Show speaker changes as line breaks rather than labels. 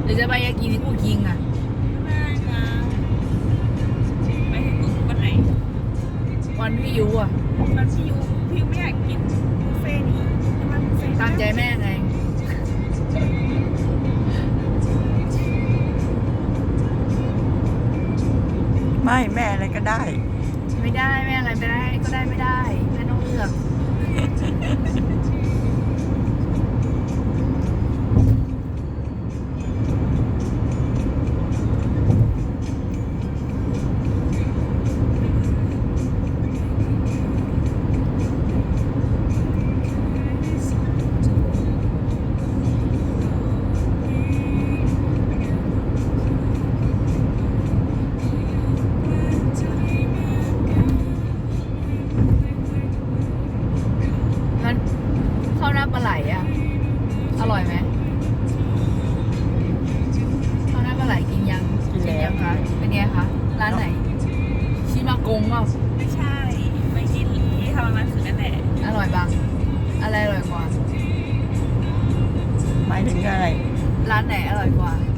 หรือจะไปยากินิคุคิงอ่ะ
ไม่นะไปถึงวันไหน
วันพี่ยูอ่ะ
วันที่ยูไม่อยากกินบุฟเฟ่ต์นี่มันบุฟเฟ่ต์
ตามใจแม่ไง
ไม่แม่อะไรก็ได้
ไม่ได้แม่อะไรไม่ได้ก็ได้ไม่ได้แม่ต้องเลือกงั้นข้าวหน้าปลาไหลอ่ะอร่อยไหมข้าวหน้าปลาไหลกินยัง
กินแล้ว
ยังคะเป็นไงคะร้านไหนชิมากงเปล่า
ไม่ใช่ไปกินที่ทำมันคือนั่นแหละ
อร่อยบังอะไรอร่อยกว่า
หมายถึงอะไร
ร้านไหนอร่อยกว่า